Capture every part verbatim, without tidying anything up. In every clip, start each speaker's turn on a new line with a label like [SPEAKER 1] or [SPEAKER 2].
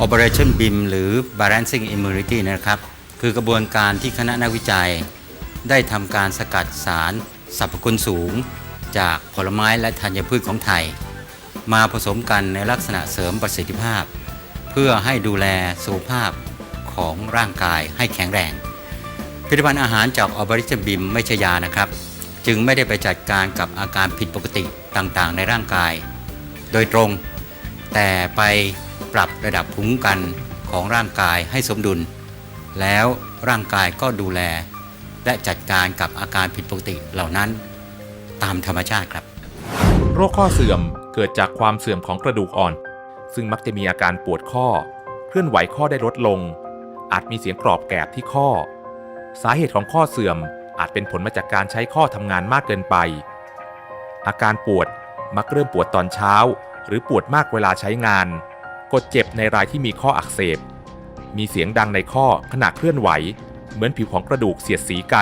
[SPEAKER 1] Operation บี ไอ เอ็ม หรือ Balancing Immunity นะครับคือกระบวนการที่คณะนักวิจัยได้ทำการสกัดสารสรรพคุณสูงจากผลไม้และธัญพืชของไทยมาผสมกันในลักษณะเสริมประสิทธิภาพเพื่อให้ดูแลสุขภาพของร่างกายให้แข็งแรงผลิตภัณฑ์อาหารจาก Operation บี ไอ เอ็ม ไม่ใช่ยานะครับจึงไม่ได้ไปจัดการกับอาการผิดปกติต่างๆในร่างกายโดยตรงแต่ไปปรับระดับภูมิคุ้มกันของร่างกายให้สมดุลแล้วร่างกายก็ดูแลและจัดการกับอาการผิดปกติเหล่านั้นตามธรรมชาติครับ
[SPEAKER 2] โรคข้อเสื่อมเกิดจากความเสื่อมของกระดูกอ่อนซึ่งมักจะมีอาการปวดข้อเคลื่อนไหวข้อได้ลดลงอาจมีเสียงกรอบแกรบที่ข้อสาเหตุของข้อเสื่อมอาจเป็นผลมาจากการใช้ข้อทำงานมากเกินไปอาการปวดมักเริ่มปวดตอนเช้าหรือปวดมากเวลาใช้งานกดเจ็บในรายที่มีข้ออักเสบมีเสียงดังในข้อขณะเคลื่อนไหวเหมือนผิวของกระดูกเสียดสีกัน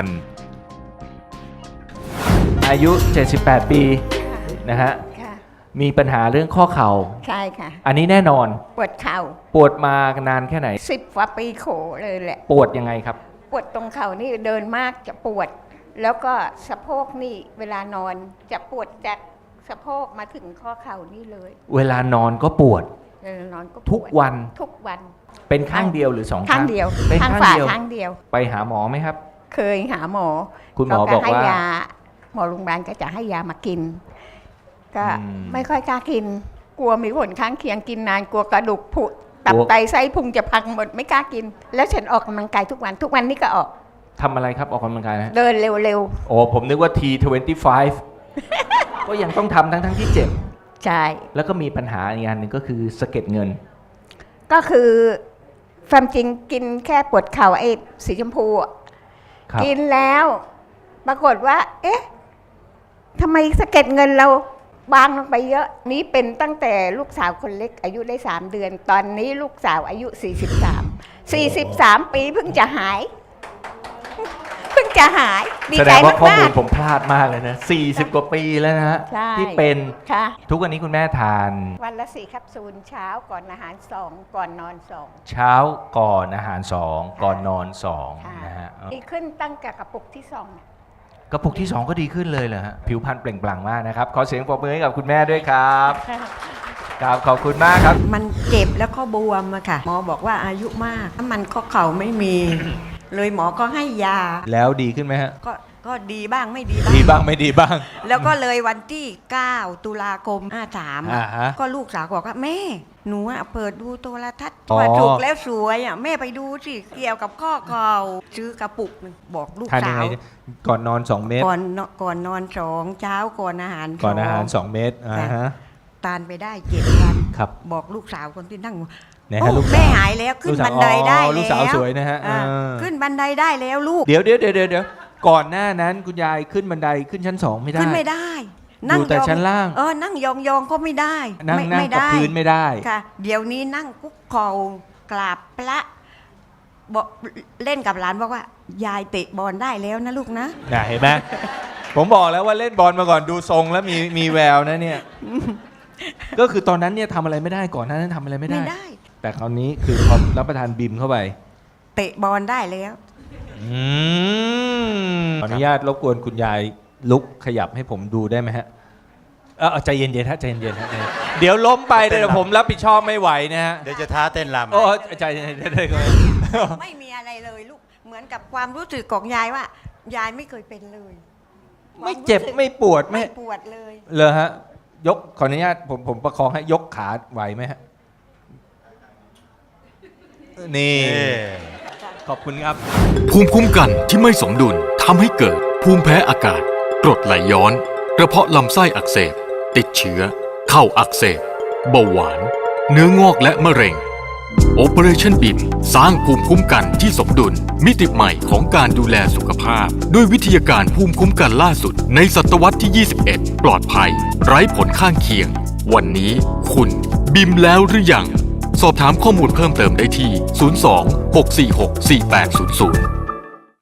[SPEAKER 3] อายุเจ็ดสิบแปดปีนะฮะมีปัญหาเรื่องข้อเข่า
[SPEAKER 4] ใช่ค่ะ
[SPEAKER 3] อันนี้แน่นอน
[SPEAKER 4] ปวดเข่า
[SPEAKER 3] ปวดมานานแค่ไหน
[SPEAKER 4] สิบกว่าปีโขเลยแหละ
[SPEAKER 3] ปวดยังไงครับ
[SPEAKER 4] ปวดตรงเข่านี่เดินมากจะปวดแล้วก็สะโพกนี่เวลานอนจะปวดจากสะโพกมาถึงข้อเข่านี่เลย
[SPEAKER 3] เวลานอนก็ปวด
[SPEAKER 4] เวลานอนก็
[SPEAKER 3] ทุกวัน
[SPEAKER 4] ทุกวัน
[SPEAKER 3] เป็นข้างเดียวหรือสองข้าง
[SPEAKER 4] ข้างเดียว
[SPEAKER 3] เป็น
[SPEAKER 4] ข้างฝ่าข้างเดียว
[SPEAKER 3] ไปหาหมอไหมครับ
[SPEAKER 4] เคยหาหมอ
[SPEAKER 3] คุณหมอบอกว่า
[SPEAKER 4] หมอโรงพยาบาลก็จะให้ยามากินก็ไม่ค่อยกล้ากินกลัวมีผลข้างเคียงกินนานกลัวกระดูกผุตับไตไส้พุงจะพังหมดไม่กล้ากินแล้วฉันออกกำลังกายทุกวันทุกวันนี้ก็ออก
[SPEAKER 3] ทำอะไรครับออกกำลังกายนะ
[SPEAKER 4] เดินเร็ว
[SPEAKER 3] ๆโอ้ผมนึกว่า ที ยี่สิบห้า ก็ยังต้องทำทั้งทั้งที่เจ็บ
[SPEAKER 4] ใช่
[SPEAKER 3] แล้วก็มีปัญหาอีกอย่างหนึ่งก็คือสะเก็ดเงิน
[SPEAKER 4] ก็คือความจริงกินแค่ปวดเข่าไอ้สีชมพูกินแล้วปรากฏว่าเอ๊ะทำไมสะเก็ดเงินเราบางลงไปเยอะนี้เป็นตั้งแต่ลูกสาวคนเล็กอายุได้สามเดือนตอนนี้ลูกสาวอายุสี่สิบสาม สี่สิบสามปีเพิ่งจะหายเพิ่งจะหาย
[SPEAKER 3] ดีใจมากแสดงว่าข้อมูลผมพลาดมากเลยนะสี่สิบกว่าปีแล้วนะฮะที่เป็นทุกวันนี้คุณแม่ทาน
[SPEAKER 4] วันละสี่แคปซูลเช้าก่อนอาหารสองก่อนนอนสอง
[SPEAKER 3] เช้าก่อนอาหารสองก่อนนอนสองนะฮะ
[SPEAKER 4] ดีขึ้นตั้งแต่กระปุกที่สอง
[SPEAKER 3] กระปุกที่สองก็ดีขึ้นเลยเหรอฮะผิวพรรณเปล่งปลั่งมากนะครับขอเสียงปรบมือให้กับคุณแม่ด้วยครับครับขอบคุณมากครับ
[SPEAKER 5] มันเจ็บแล้วก็บวมอะค่ะหมอบอกว่าอายุมากถ้ามันข้อเข่าไม่มีเลยหมอก็ให้ยา
[SPEAKER 3] แล้วดีขึ้นไหมฮะ
[SPEAKER 5] ก็ก็ดีบ้างไม่ดีบ้าง
[SPEAKER 3] ดีบ้างไม่ดีบ้าง
[SPEAKER 5] แล้วก็เลยวันที่เก้าตุลาคมห้าสามก็ลูกสาวบอกว่าแม่หนูอะเปิดดูโทรทัศน์ว่าถูกแล้วสวยอะแม่ไปดูสิเกี่ยวกับข้อเข่าซื้อกระปุกนึงบอกลูกสาว
[SPEAKER 3] ก่อนนอนสองเม็ด
[SPEAKER 5] ก่อนก่อนนอนสองเช้าก่อนอาหาร
[SPEAKER 3] ก่อนอาหารสองเม็ดอ่าฮะ
[SPEAKER 5] ทานไปได้เจ็ดวัน
[SPEAKER 3] ครับ
[SPEAKER 5] บอกลูกสาวคนที่นั่ง
[SPEAKER 3] โอ้
[SPEAKER 5] แม่หายแล้วขึ้นบันไดได้แล้ว
[SPEAKER 3] ลูกสาวสวยนะฮะ
[SPEAKER 5] ขึ้นบันไดได้แล้วลูก
[SPEAKER 3] เดี๋ยวเดี๋ยวเดี๋ยวเดี๋ยวก่อนหน้านั้นคุณยายขึ้นบันไดขึ้นชั้นสองไม่ได้
[SPEAKER 5] ขึ้นไม่ได้
[SPEAKER 3] อยู่แต่ชั้นล่าง
[SPEAKER 5] เออนั่งยองๆก็ไม่ได้
[SPEAKER 3] นั่งนั่งกับพื้นไม่ได้
[SPEAKER 5] ค่ะเดี๋ยวนี้นั่งคุกเข่ากราบพระบอกเล่นกับหลานบอกว่ายายเตะบอลได้แล้วนะลูกนะ
[SPEAKER 3] เห็นไหมผมบอกแล้วว่าเล่นบอลมาก่อนดูทรงแล้วมีมีแววนะเนี่ยก็คือตอนนั้นเนี่ยทำอะไรไม่ได้ก่อนหน้านั้นทำอะไรไม่ได้แต่คราวนี้คือพอรับประทานบิมเข้าไป
[SPEAKER 5] เตะบอลได้แล้ว
[SPEAKER 3] อืมขออนุญาตรบกวนคุณยายลุกขยับให้ผมดูได้ไหมฮะเออใจเย็นๆฮะใจเย็นๆฮะเดี๋ยวล้มไปเดี๋ยวผมรับผิดชอบไม่ไหวนะฮะ
[SPEAKER 1] เดี๋ยวจะท้าเต้นรำ
[SPEAKER 3] โอ้ใจเย็นๆได้ก็
[SPEAKER 5] ไม่มีอะไรเลยลูกเหมือนกับความรู้สึกของยายว่ายายไม่เคยเป็นเลย
[SPEAKER 3] ไม่เจ็บไม่ปวด
[SPEAKER 5] ไม่ปวดเลย
[SPEAKER 3] เลยฮะยกขออนุญาตผมผมประคองให้ยกขาไหวไหมฮะนี่ขอบคุณครับ
[SPEAKER 6] ภูมิคุ้มกันที่ไม่สมดุลทำให้เกิดภูมิแพ้อากาศกรดไหลย้อนกระเพาะลำไส้อักเสบติดเชื้อเข่าอักเสบเบาหวานเนื้องอกและมะเร็ง Operation บี ไอ เอ็ม สร้างภูมิคุ้มกันที่สมดุลมิติใหม่ของการดูแลสุขภาพด้วยวิทยาการภูมิคุ้มกันล่าสุดในศตวรรษที่ ยี่สิบเอ็ด ปลอดภัยไร้ผลข้างเคียงวันนี้คุณบิมแล้วหรือยังสอบถามข้อมูลเพิ่มเติมได้ที่ ศูนย์ สอง หก สี่ หก สี่ แปด ศูนย์ ศูนย์